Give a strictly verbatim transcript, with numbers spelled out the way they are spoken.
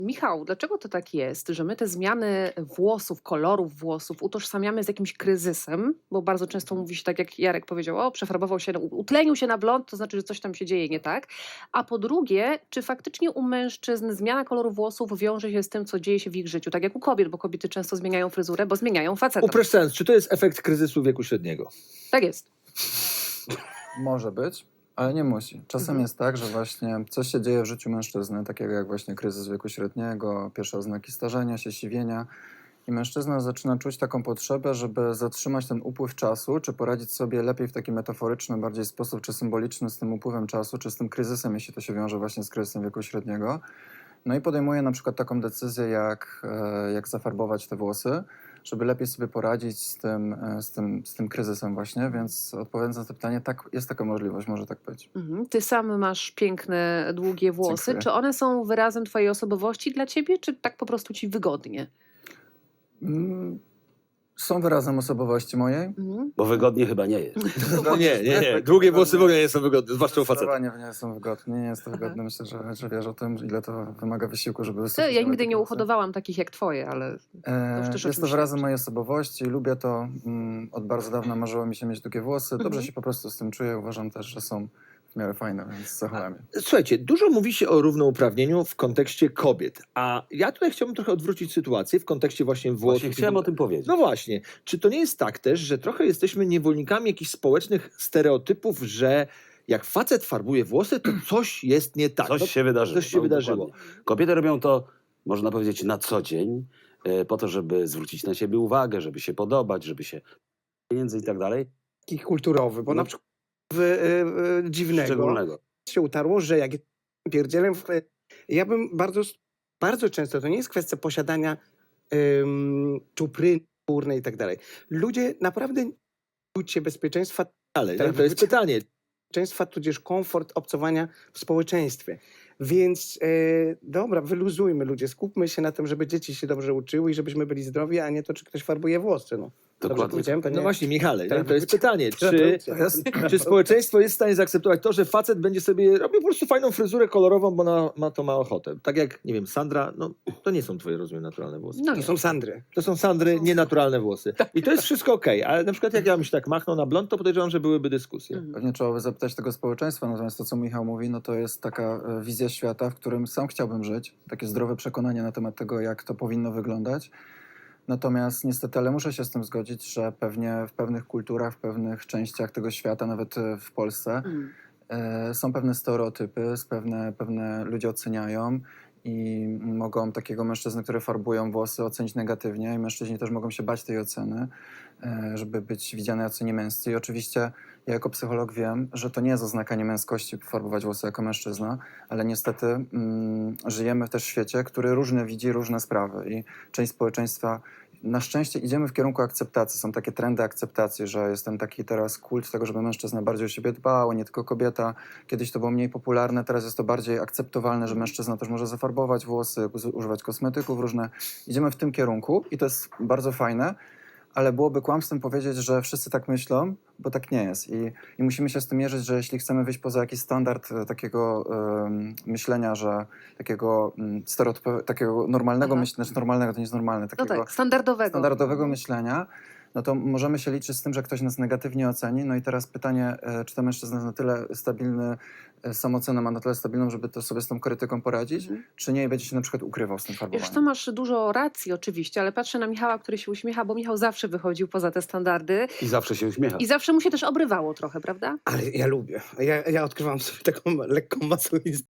Michał, dlaczego to tak jest, że my te zmiany włosów, kolorów włosów utożsamiamy z jakimś kryzysem? Bo bardzo często mówi się tak, jak Jarek powiedział, o, przefarbował się, utlenił się na blond, to znaczy, że coś tam się dzieje nie tak. A po drugie, czy faktycznie u mężczyzn zmiana koloru włosów wiąże się z tym, co dzieje się w ich życiu? Tak jak u kobiet, bo kobiety często zmieniają fryzurę, bo zmieniają facetom. Upraszczając, czy to jest efekt kryzysu wieku średniego? Tak jest. Może być, ale nie musi. Czasem Mhm. jest tak, że właśnie coś się dzieje w życiu mężczyzny, takiego jak właśnie kryzys wieku średniego, pierwsze oznaki starzenia się, siwienia. I mężczyzna zaczyna czuć taką potrzebę, żeby zatrzymać ten upływ czasu, czy poradzić sobie lepiej w taki metaforyczny bardziej sposób, czy symboliczny z tym upływem czasu, czy z tym kryzysem, jeśli to się wiąże właśnie z kryzysem wieku średniego. No i podejmuje na przykład taką decyzję, jak, e, jak zafarbować te włosy, żeby lepiej sobie poradzić z tym, e, z tym, z tym kryzysem właśnie, więc odpowiadając na to pytanie, tak, jest taka możliwość, może tak być. Mhm. Ty sam masz piękne, długie włosy. Dziękuję. Czy one są wyrazem twojej osobowości dla ciebie, czy tak po prostu ci wygodnie? Mm, Są wyrazem osobowości mojej. Mhm. Bo wygodnie chyba nie jest. No nie, nie, nie. Długie włosy w ogóle nie są wygodne, zwłaszcza u faceta. Zdecydowanie nie są wygodne, nie jest to wygodne. Myślę, że, że wiesz o tym, ile to wymaga wysiłku, żeby To wysuwać ja nigdy takie nie włosy. uhodowałam takich jak twoje, ale E, już też o jest czymś to wyrazem świadczy. mojej osobowości, lubię to. Mm, od bardzo dawna marzyło mi się mieć długie włosy. Dobrze Mhm. się po prostu z tym czuję. Uważam też, że są w miarę fajne, więc zachowałem je. Słuchajcie, dużo mówi się o równouprawnieniu w kontekście kobiet, a ja tutaj chciałbym trochę odwrócić sytuację w kontekście właśnie włosów. Właśnie chciałem o tym powiedzieć. No właśnie, czy to nie jest tak też, że trochę jesteśmy niewolnikami jakichś społecznych stereotypów, że jak facet farbuje włosy, to coś jest nie tak. Coś No, się wydarzyło. coś się No, wydarzyło. dokładnie. Kobiety robią to, można powiedzieć, na co dzień, e, po to, żeby zwrócić na siebie uwagę, żeby się podobać, żeby się pieniędzy i tak dalej. Taki kulturowy, bo No. na przykład w, e, e, dziwnego Szczególnego. się utarło, że jak pierdzielem, w, ja bym bardzo, bardzo często, to nie jest kwestia posiadania um, czupryny skórnej i tak dalej. Ludzie naprawdę nie czuć się bezpieczeństwa, Ale no, to jest pytanie. bezpieczeństwa, tudzież komfort obcowania w społeczeństwie. Więc e, dobra, wyluzujmy ludzie, skupmy się na tym, żeby dzieci się dobrze uczyły i żebyśmy byli zdrowi, a nie to, czy ktoś farbuje włosy. No. Dobrze Dokładnie. powiedziałem? To No nie- właśnie, Michale, no, to jest Terapeucja. pytanie, czy, Terapeucja. czy społeczeństwo jest w stanie zaakceptować to, że facet będzie sobie robił po prostu fajną fryzurę kolorową, bo na, ma to ma ochotę. Tak jak, nie wiem, Sandra, no to nie są twoje, rozumiem, naturalne włosy. No To nie. są Sandry. To są Sandry, nienaturalne włosy. I to jest wszystko okej, ale na przykład jak ja bym się tak machnął na blond, to podejrzewam, że byłyby dyskusje. Mhm. Pewnie trzeba by zapytać tego społeczeństwa, natomiast to, co Michał mówi, no to jest taka e, wizja świata, w którym sam chciałbym żyć. Takie zdrowe przekonanie na temat tego, jak to powinno wyglądać. Natomiast niestety, ale muszę się z tym zgodzić, że pewnie w pewnych kulturach, w pewnych częściach tego świata, nawet e, w Polsce, Mm. e, są pewne stereotypy, z pewne, pewne ludzie oceniają i mogą takiego mężczyznę, który farbują włosy, ocenić negatywnie i mężczyźni też mogą się bać tej oceny, e, żeby być widziane jako niemęscy. I oczywiście ja jako psycholog wiem, że to nie jest oznaka niemęskości farbować włosy jako mężczyzna, ale niestety mm, żyjemy też w świecie, który różne widzi różne sprawy i część społeczeństwa. Na szczęście idziemy w kierunku akceptacji. Są takie trendy akceptacji, że jest ten taki teraz kult tego, żeby mężczyzna bardziej o siebie dbał, a nie tylko kobieta. Kiedyś to było mniej popularne, teraz jest to bardziej akceptowalne, że mężczyzna też może zafarbować włosy, uz- używać kosmetyków różne. Idziemy w tym kierunku i to jest bardzo fajne, ale byłoby kłamstwem powiedzieć, że wszyscy tak myślą, bo tak nie jest. I, i musimy się z tym mierzyć, że jeśli chcemy wyjść poza jakiś standard e, takiego em, myślenia, że takiego um, stereotypowego, takiego normalnego Aha. myślenia, znaczy normalnego to nie jest normalne, No takiego tak, standardowego. standardowego myślenia, no to możemy się liczyć z tym, że ktoś nas negatywnie oceni. No i teraz pytanie, e, czy ten mężczyzna jest na tyle stabilny, e, samoocenę ma na tyle stabilną, żeby to sobie z tą krytyką poradzić, Mhm. czy nie i będzie się na przykład ukrywał z tym farbowaniem. Wiesz, to masz dużo racji oczywiście, ale patrzę na Michała, który się uśmiecha, bo Michał zawsze wychodził poza te standardy I zawsze się uśmiecha. i zawsze mu się też obrywało trochę, prawda? Ale ja lubię. Ja, ja odkrywam sobie taką lekką masochistę.